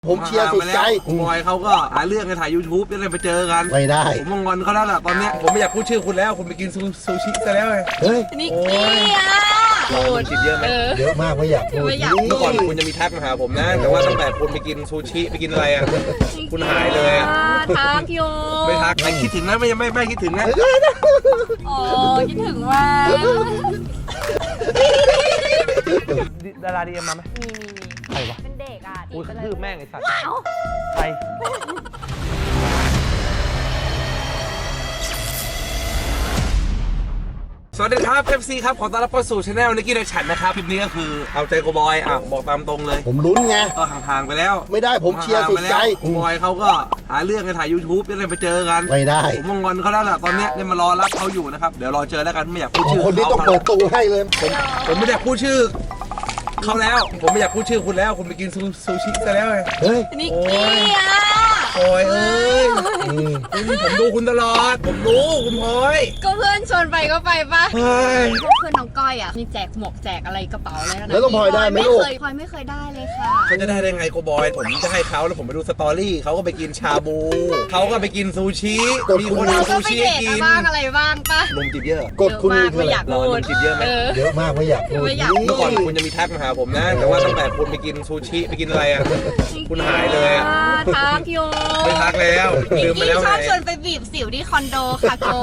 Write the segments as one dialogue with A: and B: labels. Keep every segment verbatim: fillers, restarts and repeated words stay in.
A: ผมเชียร์สุดใจ
B: บอยเขาก็หาเรื่องกันถ่ายยูทูบยังไงไปเจอกัน
A: ไม่ได้
B: ผมมองอนเขาแล้วล่ะตอนเนี้ยผมไม่อยากพูดชื่อคุณแล้วคุณไปกินซูชิซะแล้วไง
A: เฮ้ย
C: นิกกี้อ่ะ
B: โอ้ยกินเยอะไหม
A: เยอะมากไม่อยากพูด
B: เมื่อก่อนคุณจะมีทักมาหาผมนะแต่ว่าตั้งแต่คุณไปกินซูชิไปกินอะไรอ่ะคุณหายเลยอ่ะ
C: ทักโย
B: ไม่ทักไม่คิดถึงนะไม่ไม่ไม่คิดถึงนะ
C: โอ้คิดถึงว่า
B: ดาราดีเอ็มมาไหม
C: มีมี
B: ใครวะ
C: เป็นเด็กอ่ะ
B: อุ้ยกระทืบแม่งไอ้สัตว์ใครสวัสดีครับ เอฟ ซี ครับขอต้อนรับเข้าสู่ช anel นิกกี้ในฉันนะครับคลิปนี้ก็คือเอาใจโกบอยอ่ะบอกตามตรงเลย
A: ผมลุ้นไง
B: ก็ห่างๆไปแล้ว
A: ไม่ได้ผมเชียร์สุดใจ
B: โกบอยเขาก็หาเรื่องกันถ่ายยูทูบยังไงไปเจอกัน
A: ไม่ได้
B: ผมมองอนเขาแล้วล่ะตอนเนี้ยเนี่ยมารอรับเขาอยู่นะครับเดี๋ยวรอเจอแล้วกันไม่อยากพูดชื่อ
A: คนนี้ต้องเปิดตู้ให้เลย
B: ผมผมไม่ได้พูดชื่อเขาแล้วผมไม่อยากพูดชื่อคุณแล้วคุณไปกินซูชิซะแล้วไง
A: เฮ้ย
C: นิกกี้อ่ะ
B: พลอยเอ้ยผมดูคุณตลอดผมรู้คุณพลอย
C: ก็เพื่อนชวนไปก็ไปปะ
B: เฮ้ย
C: เพื่อนน้องก้อยอ่ะมีแจกหมวกแจกอะไรกระเป๋าอะไร
A: แล้วต้องพลอยได้ไหมลูก
C: พลอยไม่เคยได้เลยค่ะ
B: เขาจะได้ได้ไงโกบอยผมจะให้เขาแล้วผมไปดูสตอรี่เขาก็ไปกินชาบูเขาก็ไปกินซูชิมีคนเอาซูชิกิน
C: บ้างอะไรบ้างปะ
B: ลมจิบเยอะ
A: กดคุณ
C: ไม่อยากพูด
B: จิบเยอะไหม
A: เยอะมากไม่อยากพูด
B: เมื่อก่อนคุณจะมีทักมาหาผมนะแต่ว่าตั้งแต่คุณไปกินซูชิไปกินอะไรอ่ะคุณหายเลยอ่ะ
C: ทักโย
B: ไม่ทักแล้วลืมไปแล้วไง
C: ชอบชวนไปบีบสิวที่คอนโดค่ะโก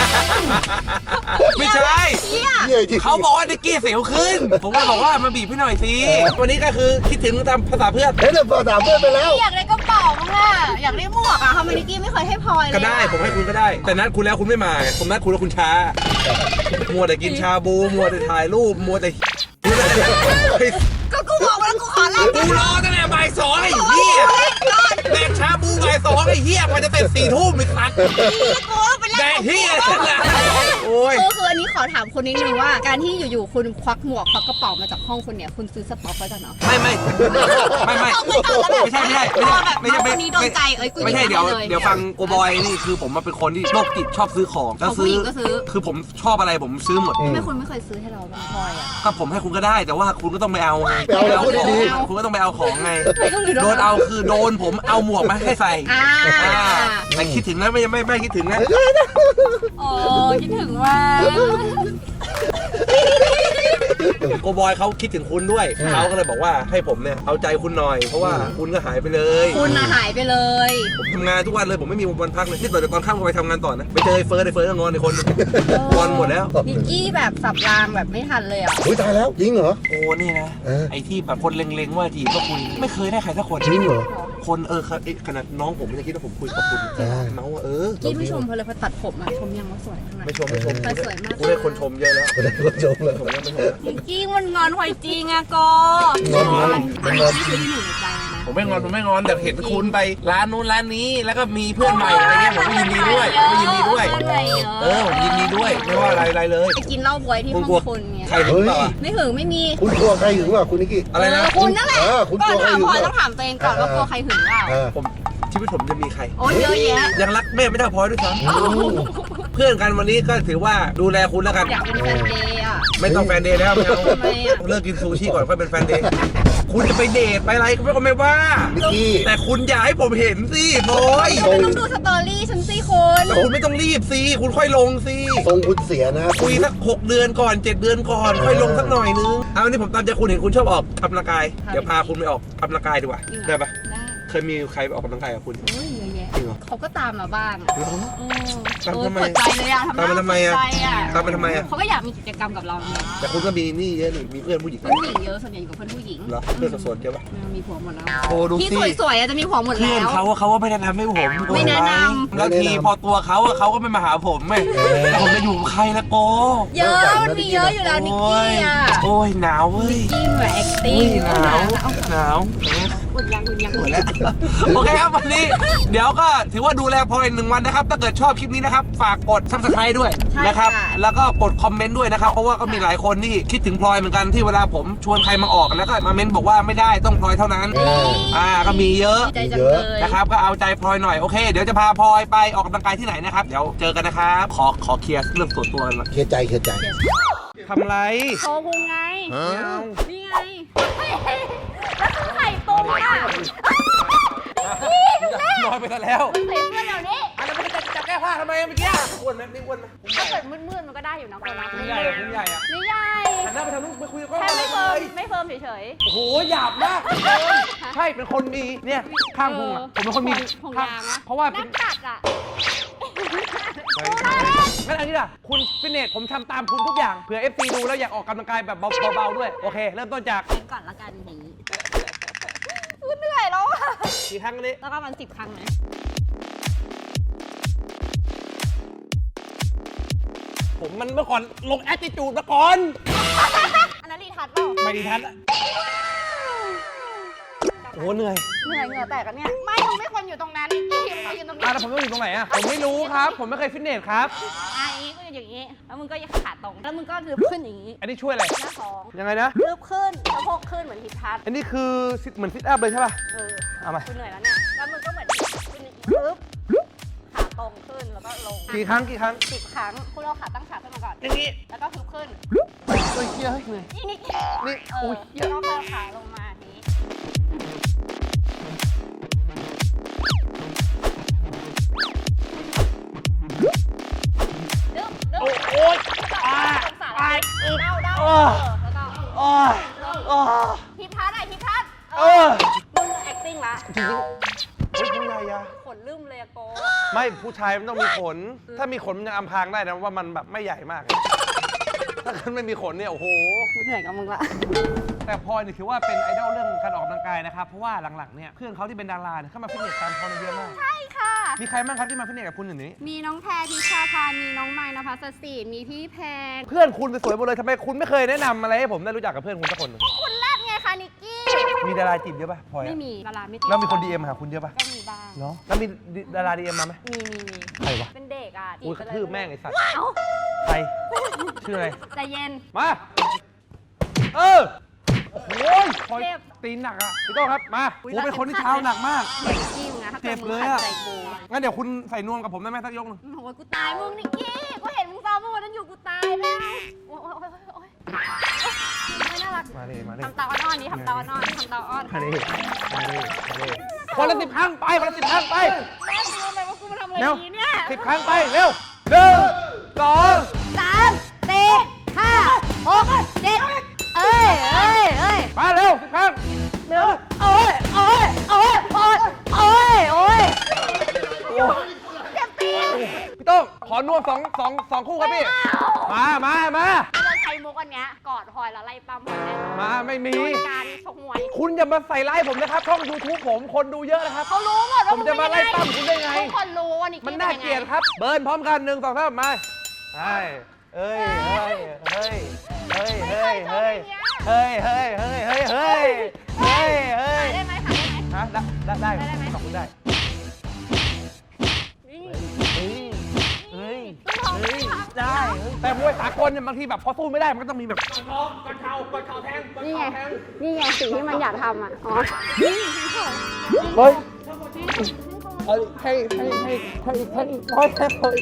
B: ไม่ใช่เขาบอกว่านิกกี้สิวขึ้นผมก็บอกว่ามาบีบพี่หน่อยสิวันนี้ก็คือคิดถึงตามภาษาเพื่อน
A: เฮ้ยภาษาเพื่อนไปแล้ว
C: อยากได้กระเป๋ามั้งอ่ะอยากได้หมวกอ่ะทำไมนิกกี้ไม่เคยให้พลอยเลย
B: ก็ได้ผมให้คุณก็ได้แต่นัดคุณแล้วคุณไม่มาผมนัดคุณแล้วคุณช้ามัวแต่กินชาบูมัวแต่ถ่ายรูปมัวแต่
C: ก็กูบอกว่ากูขอลา
B: กูรอตั้งแต่บ่ายสองไอ้เหี้ยแดกชาบูบ่ายสองไอ้เหี้ยมันจะเสร็จสี่ทุ่มอีกครั้งแดกเหี้ยฉันละโอ้ย
C: คืออันนี้ขอถามคุณนิดนึงว่าการที่อยู่ๆคุณควักหมวกควักกระเป๋ามาจากห้องคุณเนี่ยคุณซื้อสต็อกไว้จากไหน
B: ไม่ไม่ไม่ไม่ไม่ใช่ไม่ใช่ไม่ใช่ไม่ใช่
C: ไม่ใช่ใจเอ้ย
B: ไม่ใช่เดี๋ยวเดี๋ยวฟังโกบอยนี่คือผมมาเป็นคนที่โรคจิตชอบซื้อของ
C: แล้วซื้อ
B: คือผมชอบอะไรผมซื้อหมด
C: ไม่คุณไม่เคยซื้อให้เราบ้างพลอยอ่ะ
B: ก็ผมให้คุณก็ได้แต่ว่าคุณก็ต้องไปเอาไง
A: ไปเอาของ
B: คุณก็ต้องไปเอาของไงโดนเอาคือโดนผมเอาหมวกมาให้ใส่แต่คิดถึงนะไม่ไม่ไม่คิดถึงนะ
C: โอ้คิดถึงว่า
B: โกบอยเขาคิดถึงคุณด้วยเขาก็เลยบอกว่าให้ผมเนี่ยเอาใจคุณหน่อยเพราะว่าคุณก็หายไปเลย
C: คุณน่ะหายไปเลย
B: ผมทำงานทุกวันเลยผมไม่มีวันพักเลยนี่ต่อจากตอนค่ำก็ไปทำงานต่อนะไปเจอไอ้เฟิร์สไอ้เฟิร์สก็งอนไอ้คนงอนหมดแล้ว
C: นิกกี้แบบสับรางแบบไม่ทันเลยอ่ะ
A: อุ้ยตายแล้วจริงเหรอ
B: โอ้นี่นะไอ้ที่แบบคนเล็งๆว่าจีบก็คุณไม่เคยได้ใครสักคน
A: จริงเหรอ
B: คนเออขนาดน้องผมไม่ได้คิดว่าผมคุยกับคุณน้องว่าเออ
C: กี้ไม่ชมเพราะเลยพอตัดผมมาชมยังว่าสวยขนาด
B: ไม่ชมไม่ชม
C: สวยมาก
B: กูได้คนชมเยอะแล้ว
A: ได้คนชมเลย
B: ผมยังไม่ชม
C: นิกกี้มันงอนหอยจริงอะโก
A: งอนงอน
C: มันงอนที่อยู่ในใจนะ
B: ผมไม่งอนผมไม่งอนแต่เห็นคุณไปร้านนู้นร้านนี้แล้วก็มีเพื่อนใหม่อะไรเงี้ยผมก็ยินดีด้วยก็ยินดีด้วยเออผมยินดีด้วยไม่ว่าอะไรอะไรเลย
C: ไปกินเหล้าบวยที่ห้องคุณเนี่ย
B: ใครหึงต่อ
C: ไม่หึงไม่มี
A: คุณกลัวใครหึงวะคุณนิกกี้
B: อะไรนะ
C: คุณนั่นแหละ
A: คุณ
C: กลัวใครหึง
A: ก่อน
C: ต้องถามตัวเองก่อนว่ากลัวใครหึงเปล่า
B: ผมชีวิตผมจะมีใคร
C: โอ้เยอะแยะ
B: ยังรักแม่ไม่เท่าพลอยด้วยซ้ำเพื่อนกันวันนี้ก็ถือว่าดูแลคุณแล้วกัน
C: อยากเป็นแฟนเดย์อ่ะ
B: ไม่ต้องแฟนเดย์แล้วไม่เอาเลิกกินซูชิก่อนค่อยเป็นแฟนเดย์คุณจะไปเดทไปอะไรก็ไม่ก็ไม่ว่าแต่คุณอย่าให้ผมเห็นสิพลอย
C: คุณต้องดูสตอรี่ฉันสิคุณ
B: คุณไม่ต้องรีบสิคุณค่อยลงสิ
A: ทรงคุณเสียนะ
B: คุยสักหกเดือนก่อนเจ็ดเดือนก่อนค่อยลงสักหน่อยนึงเอาวันนี้ผมตามใจคุณเห็นคุณชอบออกกำลังกายเดี๋ยวพาคุณไปออกกำลังกายดีกว่าได้ปะเคยมีใครไปออกกำลังกายกับคุณ
C: โอ้ยเยอะแยะเขาก็ตามมาบ้าง
B: ตามทำไม
C: ใจเลยอะ
B: ตามมาทำไมอะตามมาทำไมอะ
C: เขาก็อยากมีกิจกรรมกับเราไง
B: แต่คุณก็มีนี่เยอะนี่มีเพื่อนผู้หญิง
C: ผู้หญิงเยอะส่วนใหญ่อยู่กับเพื่อนผู้หญิง
B: เหรอเพื่อนโสดเยอะปะ
C: มีผัวหมดแล้ว
B: โอ้ดูสิ
C: ที่สวยๆจะมีผัวหมดแล้ว
B: เพื่อนเขาเขาว่าไม่แนะนำให้ผม
C: ไม่แนะนำ
B: แล้วทีพอตัวเขาเขาก็ไม่มาหาผมไม่ผมจะอยู่กับใครละโก
C: เยอะมันมีเยอะอยู่แล้วนิกกี้อะ
B: โอ้ยหนาวเว้ย
C: นิกกี้แบบแอคติ้ง
B: หนาวหนาว
C: อุ่นยังอุ่นยังอุ่น
B: แล้วโอเคครับวันนี้เดี๋ยวก็ถือว่าดูแลพลอยหนึ่งวันนะครับถ้าเกิดชอบคลิปนี้นะครับฝากกด ซับสไครบ์ ด้วยนะครับแล้วก็กดคอมเมนต์ด้วยนะครับเพราะว่าก็มีหลายคนที่คิดถึงพลอยเหมือนกันที่เวลาผมชวนใครมาออกแล้วก็มาเม้นบอกว่าไม่ได้ต้องพลอยเท่านั้นอ่าก็มีเยอะนะครับก็เอาใจพลอยหน่อยโอเคเดี๋ยวจะพาพลอยไปออกกำลังกายที่ไหนนะครับเดี๋ยวเจอกันนะครับขอขอเคลียร์เรื่องส่วนตัวกันหน่อย
A: เคลียร์ใจเคลียร์ใจ
B: ทำไร
C: โชว์พุงไงนี่ไงแล้วคือไข่ตุ้มอ่ะ
B: อยไปซะแล้ว
C: ใส่เสื้อเดี๋ยวนี้
B: อันนั้นมันจะจะแก้ผ้าทำไมเมื่อกี้อ้วนไหมนี่อ้วนไหม
C: ถ้าเกิดมืดๆมันก็ได้อยู่นะคนละ
B: คุณใหญ่อะคุณใหญ่อะ
C: ไม่ใหญ่
B: หันหน้าไปทางนู้นไปคุยกับกล้อง
C: แค่
B: เล
C: ไม่
B: ย
C: เฟิร์มไม่เฟิร์มเฉย
B: โอ้โหหยาบมากใช่เป็นคนมีเนี่ยข้างพุงอะผมเป็นคนมี
C: พุง
B: ข้าง
C: ยางอะ
B: เพราะว่า
C: ๆ
B: เป็
C: นั
B: น
C: กตัดอ่ะ
B: งั้นอันนี้ล่ะคุณฟิตเนสผมทำตามคุณทุกอย่างเผื่อ เอฟ ซี ดูแล้วอยากออกกำลังกายแบบเบาๆด้วยโอเค เริ่มต้นจาก
C: เป็นก่อนละกันอย่างนี้กูเหนื่อยแล้วอะ
B: กี่ครั้งอันนี้
C: แล้วก็มันสิบครั้งนะ
B: ผมมันเมื่อก่อนลงแอตติจูดมาก่อน
C: อันนั้นรีทัชเปล่า
B: ไม่ดีทันอะโอ้เหนื่อย
C: เหนื่อยเหงื่อแตกกันเนี่ยไม่มึงไม่ควรอยู่ตรงนั้นนี่มึงมายืนตรงนี้
B: อ่ะแล้วผมต้องอยู่ตรงไหนอะผมไม่รู้ครับ ผมไม่เคยฟิตเนสครับ
C: อ่ะอย่างนี้ก็อยู่อย่างนี้แล้วมึงก็ขาตรงแล้วมึงก็ลืบขึ้นอย่างนี้
B: อันนี้ช่วยอะไร
C: หน้าท้อง
B: ยังไงนะ
C: ลืบขึ้นสะโพกขึ้นเหมือนทิศทัศน์
B: อันนี้คือซิเหมือนซิทอัพเลยใช่ป่ะ
C: เออ
B: เอามา
C: กูเหนื่อยแล้วเนี่ยแล้วมึงก็เหมือนขึ้นลึบขาตรงขึ้นแล้วก็ลง
B: กี่ครั้งกี่ครั้ง
C: สิบครั้งคุณเอาขาตั้งขาขึ้นมาก่อน
B: อย่างนี้
C: แล้วก็ฮึบขึ้น
B: เฮ้ยเฮียเฮ้ยเหนื่อย
C: นี่นี่
B: นี่
C: เอ
B: โอ้
C: อย
B: เหี้ย
C: แล้วก็เอาขาลงมาทีนี้ดึ๊บดึ๊บ
B: โอ้โอ้ย
C: อ่า
B: อ่า
C: เดาเดา
B: เออ
C: แล้วก็
B: โอ้ยโอ้ย
C: ทิพัฒน์อะทิพัฒน์
B: เออ
C: มึง acting ละ
B: จริงๆเฮ้ยคุณยายา
C: ขนลืมเลยอะโก
B: ไม่ผู้ชายมันต้องมีขน ถ้ามีขนมันยังอำพรางได้นะว่ามันแบบไม่ใหญ่มาก ถ้าเกิดไม่มีขนเนี่ยโอ้โห
C: เหนื่อยกับมึงละ
B: แต่พลอยเนี่ยถือว่าเป็นไอดอลเรื่องการออกกำลังกายนะครับ เพราะว่าหลังๆเนี่ยเพื่อนเขาที่เป็นดาราเนี่ยเข้ามาฟิตเนสตามพลอยเยอะมาก
C: ใช่ค่ะ
B: มีใครบ้างครับที่มาฟิตเนสกับคุณอย่างนี้
C: มีน้องแพรพิชาพามีน้องไม้นภัสสีมีพี่แพง
B: เพื่อนคุณสวยๆหมดเลยทำไมคุณไม่เคยแนะนำอะไรให้ผมได้รู้จักกับเพื่อนคุณสักคนหนึ่ง
C: คุณแรกไงคะนิกกี้
B: มีดาราจีบเยอะป่ะพลอยอะ
C: ไม่มีดาราไม่ติด
B: แล้วมีคนดีเอ็มหาคุณเยอะป่ะ
C: ก็มีบ้าง
B: เนาะแล้วมีดาราดีเอ็มมาไหม
C: มีมีมี
B: ใครวะ
C: เป็นเด็กอ่ะ
B: อุ้ยกระทืบแม่งไอ้สัตว์
C: เอ้า
B: ใครชื่ออะไร
C: ใจเย็น
B: มาเออโอ้โหพลอย
C: เจ็บ
B: ตีนหนักอ่ะพี่โต้ครับมาโอ้โหเป็นคนที่เท้าหนักมาก
C: เจ็บจริงนะถ้า
B: เจ็
C: เกิด
B: บ
C: มึง
B: เลย
C: ขัด
B: อะ
C: ใจกู
B: งั้นเดี๋ยวคุณใส่นวมกับผมได้ไหมสักยกหนึง
C: โอ้ยกูตายมึงนิกกี้กูเห็นมึงซ้อมเมื่อวันนั้นอยู่กูตายแล้วโอ้ยโอ้ยโอ้ยโอ้ยไม่น่ารัก
B: มาดิมาดิ
C: ทำตาอ้อนๆดิทำตาอ้อนๆทำตาอ้อน
B: มาดิมาดิมาดิคนละสิบครั้งไปคนละสิบครั้งไป
C: แม่รู้ไหมว่ากูมาทำอะไร
B: เร็ว
C: ดีเนี่ย
B: สิบครั้งไปเร็วหนึ่งสอง
C: สามสี่ห้าหกเจ็ดเอ้ยเอ้ยเอ้ย
B: มาเร็วสิบครั้ง
C: เร็วโอ้ยโอ้ยโอ้ยโอ้ยโอ้ยโอ้ยเจ็บตีน
B: พี่โต้งขอนวมสองสองสองคู่ครับพี่มามามา
C: เราใช้มุกอันเนี้ยกอดพลอยแล้วไล่ปั๊มพลอยแน่นอน
B: มาไม่มี
C: โดยการชกมวย
B: คุณอย่ามาใส่ร้ายผมนะครับช่อง ยูทูบ ผมคนดูเยอะนะครับ
C: เขารู้หมดว่า
B: ผมจะมาไล่ปั้มคุณได้ไง
C: ทุกคนรู้ว่านิกกี้
B: มันน่าเกลียดครับ เบิร์นพร้อมกันหนึ่งสองสามมาใช่เอ้ยเฮ้ยเฮ้ยเฮ้ยเฮ้ยเฮ้ยเฮ้ยเฮ้ยเฮ้ยเฮ้ยเฮ้ยเฮ้ยเฮ้ย
C: ได้ไหมคะได้ไหม
B: ฮะได้ได้
C: ได้ไหม
B: ขอบคุณได้
C: นี่
B: เฮ้ยเฮ้ยเฮ้ยได้แต่มวยสากลเนี่ยบางทีแบบพอสู้ไม่ได้มันก็ต้องมีแบบกระเทากระเทากระเทาแทง
C: นี่ไงนี่ไงสิ่งที่มันอยากทำอ่ะอ๋อ
B: เฮ้ยให้ให้ให้ให้อีกให้อีกให้ให้ให้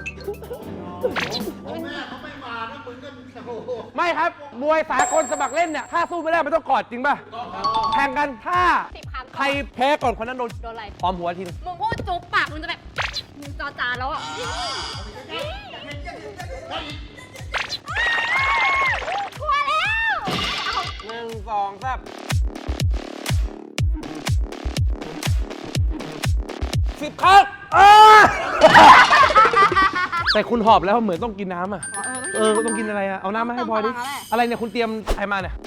B: ไม่ครับมวยสากลสมัครเล่นเนี่ยถ้าสู้ไม่ได้มันต้องกอดจริงป่ะแข่งกันถ้า
C: สิบครั้ง
B: ใครแพ้ก่อนคนนั้นโดน
C: โดนอะไร
B: พร้อมหัวทีนึง
C: มึงพูดจุ๊บปากมึงจะแบบมึงจอจานแล้วอ่ะกลัวแล้ว
B: หนึ่งสองสามสิบครั้งแต่คุณหอบแล้วเหมือนต้องกินน้ำอ่ะ เออต้องกินอะไรอ่ะ เอาน้ำมาให้พลอยดิ อะไรเนี่ยคุณเตรียมอะไรมาเนี่ย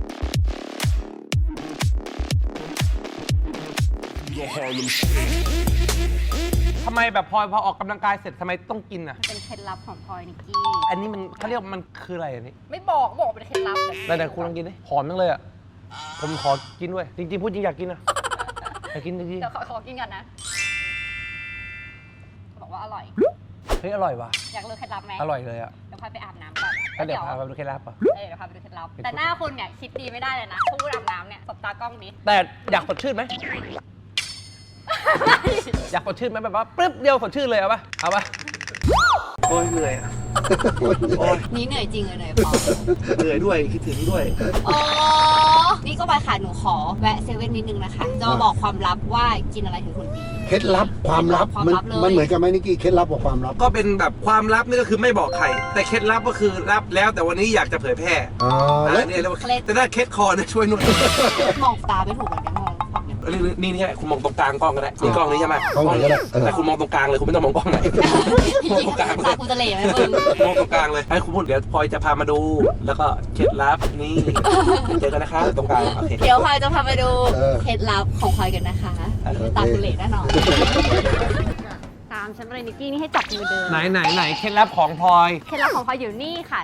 B: ทำไมแบบพลอยพอออกกำลังกายเสร็จทำไมต้องกินอ่ะ
C: เป็นเคล็ดลับของพลอยนิกกี้
B: อันนี้มันเขาเรียกว่ามันคืออะไรอันนี้
C: ไม่บอกบอกเป็นเคล็ดลับ
B: แต่แต่คุณลองกินดิหอมจังเลยอ่ะ ผมขอกินด้วย จริงๆพูดจริงอยากกินอ่ะอยากกินจริง
C: เดี๋ยวขอขอกินก่อนนะ บอกว่าอร่อย
B: ๆเฮ้ยอร่อยว่ะ
C: อยากรู้เคล็ดลับไหม
B: อร่อยเลยอ่ะ
C: เดี๋ยวพาไปอาบน้ำก่อน
B: ก็เดี๋ยวพาไปดูเคล็ดลับอ่ะ
C: เออเดี๋ยวพาไปดูเคล็ดลับ แต่หน้าคุณเนี่ยคิดดีไม่ได้เลยนะพูดอาบน้ำเนี่ยสบตากล้องดิ
B: แต่อยากสดชื่นไหม อยากสดชื่นไหมแบบว่าปึ๊บเดียวสดชื่นเลยเอาปะเอาปะโอ้ยเหนื่อยอ่ะโอ้ย
C: นี่เหนื่อยจริงเลยพอ
B: เหนื่อยด้วยคิดถึงด้วย
C: โอ้
D: นี่ก็ไปค่ะหนูขอแวะเซเว่นนิดนึงนะคะจะมาบอกความลับว่ากินอะไรถึงคนดี
A: เคล็ดลับความลับ
D: ความ
A: มัน
D: ลับเลย
A: มันเหมือนกันไหมนิกกี้เคล็ดลับกับความลับ
B: ก็เป็นแบบความลับนี่ก็คือไม่บอกใคร แต่เคล็ดลับก็คือรับแล้วแต่วันนี้อยากจะเผยแพร่
A: อ๋อ
B: อ่า
A: แล้ว
B: เนี่ยเรียกว่าแต่ถ้าเคล็ดคอเนี่ยช่วยนวด
D: มองตาไม่ถูกเหมือนกันมองฝั่งเนี้ย
B: นี่นี่นี่คุณมองตรงกลางกล้องก็ได้นี่กล้องนี้ใช่ไหม
A: กล้องไหนก็ได้เออ
B: แต่คุณมองตรงกลางเลยคุณไม่ต้องมองกล้องไหนมองตรงกลางเล
D: ตาย คุณจะเหล่ไหมมึง
B: มองตรงกลางเลยให้คุณพูดเดี๋ยวพลอยจะพามาดู แล้วก็เคล็ดลับนี่เจอกันนะคะตรงกลางโอเค
D: เดี๋ยวพลอยจะพาไปดู
A: เออ
D: เคล็ดลับของพลอยกันนะคะ
B: โอเค
D: ตาคุณเหล่แน่นอนตามฉันไปเลยนิกกี้นี่ให้จับมือเดิน
B: ไหนไหนไหนเคล็ดลับของพลอย
D: เคล็ดลับของพลอยอยู่นี่ค่ะ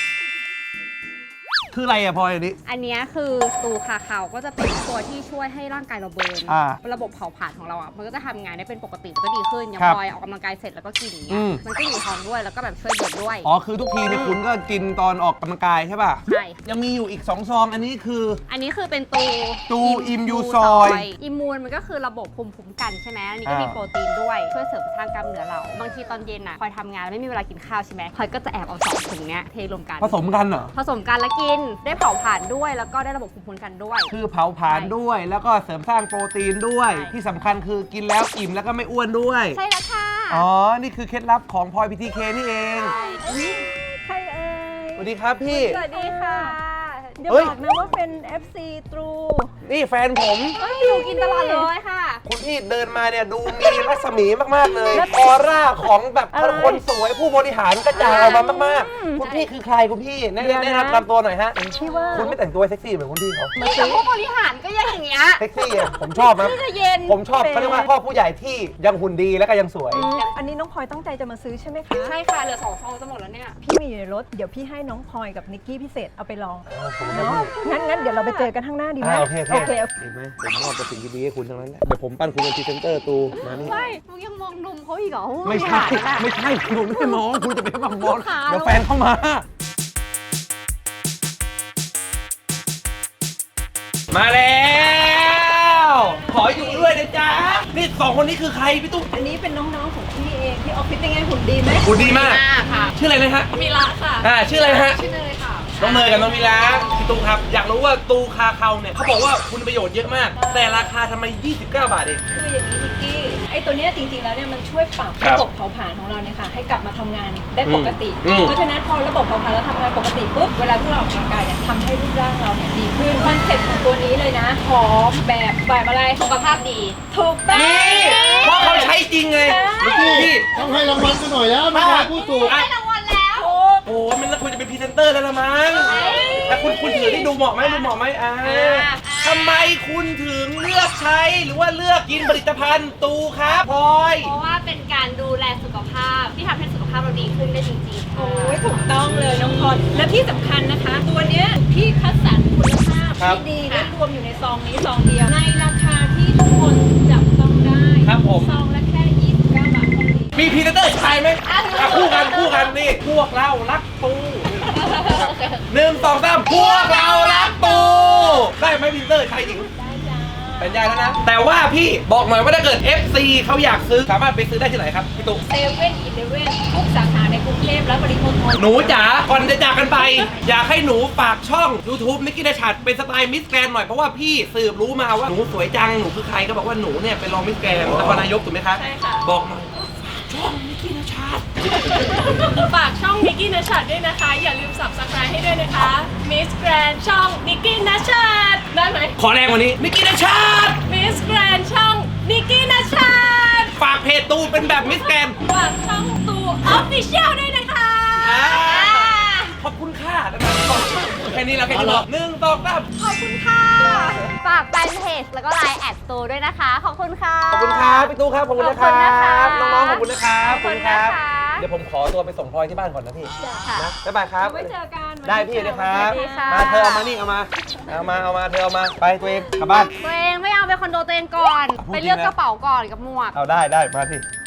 B: คืออะไรอะพลอยอันนี้
D: อันนี้คือตูคาคาวก็จะเป็นตัวที่ช่วยให้ร่างกายเราเบิร์น
B: อ่า
D: ระบบเผาผลาญของเราอ่ะมันก็จะทำงานได้เป็นปกติมันก็ดีขึ้นอย่าง
B: ครับ
D: พลอยออกกำลังกายเสร็จแล้วก็กินอย่าง
B: อื
D: เงี้ย
B: ม
D: มันก็อยู่ท้องด้วยแล้วก็แบบช่วยเบิร์นด้วย
B: อ๋อคือทุกทีเนี่ยคุณก็กินตอนออกกำลังกายใช่ป่ะ
D: ใช่
B: ยังมีอยู่อีกสองซองอันนี้คือ
D: อันนี้คือเป็นตู
B: ตูอิมยูซอย
D: อิมมูนมันก็คือระบบภูมิคุ้มกันใช่ไหมอันนี้ก็มี
B: อ่า
D: โปรตีนด้วยช่วยเสริมสร้างกล้ามเนื้อเราบางทีตอนเย็นอ่ะพลอยทำงานแล้วไม่มีเวลากินข้าวใช่ไหมพลอยก็จะแอบเอาสองถุงเนี้ยเทรวมกัน
B: ผสมกันเหรอ
D: ผสมกันแล้วกินได้เผาผลาญด้วยแล้วก็ได้ระบบภูมิคุ้มกันด้วย
B: คือเผาผลาญด้วย แล้วก็เสริมสร้างโปรตีนด้วย
D: ใช่
B: ที่สำคัญคือกินแล้วอิ่มแล้วก็ไม่อ้วนด้วย
D: ใช่แล้วค่ะ
B: อ๋อ นี่คือเคล็ดลับของพลอยพีทีเคนี่เอง
C: ใครเอ่ย
B: สวัสดีครับพี่
D: สวัสดีค่ะ
C: เดี๋ยว
B: เฮ้ย
C: บอกนะว่าเป็น เอฟ ซี True
B: นี่แฟนผม
D: เฮ้ยหนูกินตลอดเลยค่ะ
B: คุณพี่เดินมาเนี่ยดูมีรัศมีมาก ๆ เลยออร่าของแบบ
C: อะไร
B: คนสวยผู้บริหารกระจายออกมามากๆ คุณพี่คือใครคุณพี่แนะ
C: เดี๋ยวนะ
B: แนะนำนำตัวหน่อยฮะ
C: พี่ว่า
B: คุณไม่แต่งตัวเซ็กซี่เหมือนคุณพี่เขา
D: เหมือนกับผู้บริหารก็ยังอย่างเงี้ย
B: เซ็กซี่อะผมชอบนะ
D: พี่จะเย็น
B: ผมชอบเขาเรียกว่าพ่อผู้ใหญ่ที่ยังหุ่นดีและก็ยังสวย
C: อืมอันนี้น้องพลอยตั้งใจจะมาซื้อใช่ไหมคะ
D: ใช่ค่ะเหลือสองซองจะหมดแล้วเนี่ย
C: พี่มีอยู่ในรถ เดี๋ยวพี่ให้น้องพลอยกับนิกกี้พิเศษเอาไปลองเนาะงั้นงั้นเดี๋ยวเราไปเจอกันข้างหน้าดีไหม
B: อ่าโอเคโอ
C: โอ
B: เค
C: เค
B: เห็นไหมผมมอบแต่สิ่งดีๆให้คุณทั้งนั้นแหละเดี๋ยวผมปั้นคุณเป็นพรีเซนเตอร์ตูมานี่
D: ไม่มึงยังมองนมเขาอีกเหรอ
B: ไม่ใช่ ไม่ใช่คุณไม่ได้มองคุณจะไปบังบอล
D: ขา
B: เดี๋ยวแฟนเข้ามา มาแล้ว ขออยู่ด้วยนะจ๊ะ นี่สองคนนี้คือใครพี่ตุ๊ก
C: อันนี้เป็นน้องๆของพี่เองที่ออฟฟิศเป็นไงหุ่นดีไหม
B: คุณดีมาก
D: ค่ะ
B: ชื่ออะไรนะฮะ
D: มีละค่ะ
B: อ่าชื่ออะไรนะฮะ
D: ชื่อเนยค่ะ
B: น้องเนยกับน้องมิลาพี่ตูครับ อยากรู้ว่าตูคาเคาเนี่ยเขาบอกว่าคุณประโยชน์เยอะมาก แต่ราคาทำไม ยี่สิบเก้า บาทเอง
C: คืออย่างนี้นิกกี้ไอ้ตัวเนี้ยจริงๆแล้วเนี่ยมันช่วยปรับ
B: ครับ
C: ระบบเผาผลาญของเราเนี่ยค่ะให้กลับมาทำงานได้ปกติ
B: อืม
C: เพราะฉะนั้นพอระบบเผาผลาญเราทำงานปกติปุ๊บเวลาที่เราออกกำลังกายเนี่ยทำให้รูปร่างเราเนี่ยดีขึ้นคอนเซ็ปต์ของตัวนี้เลยนะหอมแบบแบบอะไร
D: สุขภาพดี
C: ถูกต้อง
B: นี่เพราะเขาใช้จริงไง
C: ใช่
B: พี่
A: ต้องให้รางวัลกันหน่อยแล้วไม่ได้พูดถูก
B: อ่ะ
D: รางวัลแล้ว
B: โอ้โหมันแล้วคุณจะเป็นพรีเซนเตอร์แล้วละมั้งแต่คุณคุณถือที่ดูเหมาะไหมดูเหมาะไหมอ่าทำไมคุณถึงเลือกใช้หรือว่าเลือกกินผลิตภัณฑ์ตูครับพลอย
D: เพราะว่าเป็นการดูแลสุขภาพที่ทำให้สุขภาพเราดีขึ้นได้จริงๆค่ะ
C: โอ้ยถูกต้องเลยน้องพรและที่สำคัญนะคะ ตัวเนี้ยพี่คัดสรรคุณภาพ
B: ครับ
C: ที่ดีและรวมอยู่ในซองนี้ซองเดียว ในราคาที่ทุกคนจับต้องได้
B: ครับผม
C: ซองละแค่ยี่สิบเก้าบาทเท่านี้
B: มีพรีเซนเตอร์ชายไหมอ่ะคู่กันคู่กันนี่พวกเรารักตูหนึ่งสองสามพวกเรารักตูได้ไหมพรีเซนเตอร์ชายหญิง
C: ได้จ้า
B: เป็นยายแล้วนะ แต่ว่าพี่บอกหน่อยว่าถ้าเกิด เอฟ ซี เขาอยากซื้อสามารถไปซื้อได้ที่ไหนครับพี่ตุ๊ก
C: เซเว่นอีเลเว่นทุกสาขาในกรุงเทพและปริมณฑล
B: หนูจ๋าก่อนจะจากกันไป อยากให้หนูฝากช่อง YouTube นิกกี้ดาชัดเป็นสไตล์มิสแกรนหน่อยเพราะว่าพี่สืบรู้มาว่าหนูสวยจังหนูคือใครก็บอกว่าหนูเนี่ยเป็นรองมิสแกรนนครนายกถูกไหมคะ
C: ใช่ค่ะ
B: บอกหน่อยช่องนิกกี้ดาชัด
E: ฝากช่องนิกกี้นัชชัดด้วยนะคะ อย่าลืม Subscribe ให้ด้วยนะคะมิสแกรนช่องนิกกี้นัชชัดได้ไหม
B: ขอแรงกว่านี้นิกกี้ดาชัด
E: มิสแกรนช่องนิกกี้นัชชัด
B: ฝากเพจตูเป็นแบบมิสแกรน
E: ฝากช่องตูออฟฟิเชียลด้วยนะคะ
B: อ่าขอบคุณค่ะแค่นี้แล้วแค่นี้หนึ่งสองสาม
D: ขอบคุณค่ะ ฝากแฟนเพจแล้วก็ไลน์แอดสตูด้วยนะคะ ขอบคุณค่ะ
B: ขอบคุณครับพี่ตู้ครับขอบคุณนะค
D: ขอบคุณนะ
B: รั
D: คะ
B: บน้องๆขอบคุณนะครับ
D: ขอบคุณนะคะ
B: เดี๋ยวผมขอตัวไปส่งพลอยที่บ้านก่อนนะพี่
D: ค่ะ
B: นะบ๊ายบายครับ
C: ไว้เจอกัน
B: ได้พี่เดี๋ยวครับ
D: สวัสดีค่ะ
B: มาเธอเอามานี่เอามาเอามาเอามาเธอเอามาไปตัวเองกลับบ้าน
D: ตัวเองไม่เอาไปคอนโดตัวเองก่อน
B: พูด
D: ไปเลือก
B: จริงนะ
D: กระเป๋าก่อนกับหมวก
B: เอาได้ได้มาสิ